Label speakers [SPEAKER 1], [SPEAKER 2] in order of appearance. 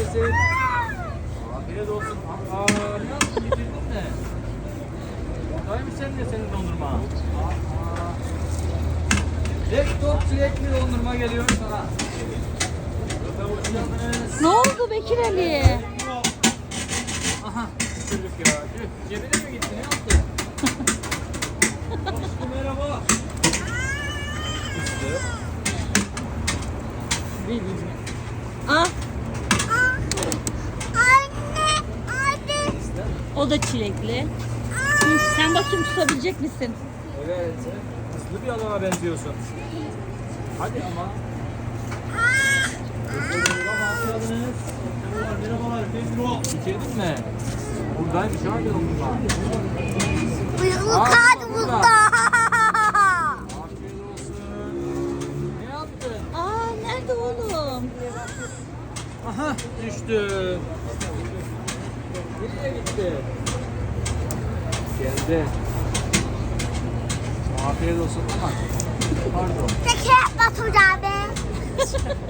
[SPEAKER 1] gelsin. Afiyet olsun. Aa, ne yaptın? Bitirdin mi? Oradaymış senin dondurma. Laptop çilekli dondurma geliyor sana. Hoş geldiniz.
[SPEAKER 2] Ne oldu Bekir Ali?
[SPEAKER 1] Aha, çocuk ya. Cebine mi gitti? Ne yaptı? Aşkım merhaba. Üstü.
[SPEAKER 2] Ah,
[SPEAKER 3] Anne.
[SPEAKER 2] o da çilekli. Hı, sen bakayım tutabilecek misin?
[SPEAKER 1] Evet. Hızlı bir adama benziyorsun. Hadi ama. Merhabalar. Merhabalar. Bitirdin mi? Buradaymış abi dondurma.
[SPEAKER 3] Bıyıklı kaldı burada.
[SPEAKER 1] Afiyet olsun. Ne yaptın?
[SPEAKER 2] Aa, nerede oğlum?
[SPEAKER 1] Aha düştü. Nereye gitti? Geldi. Afiyet olsun. Pardon.
[SPEAKER 3] Tekrar batacağım be.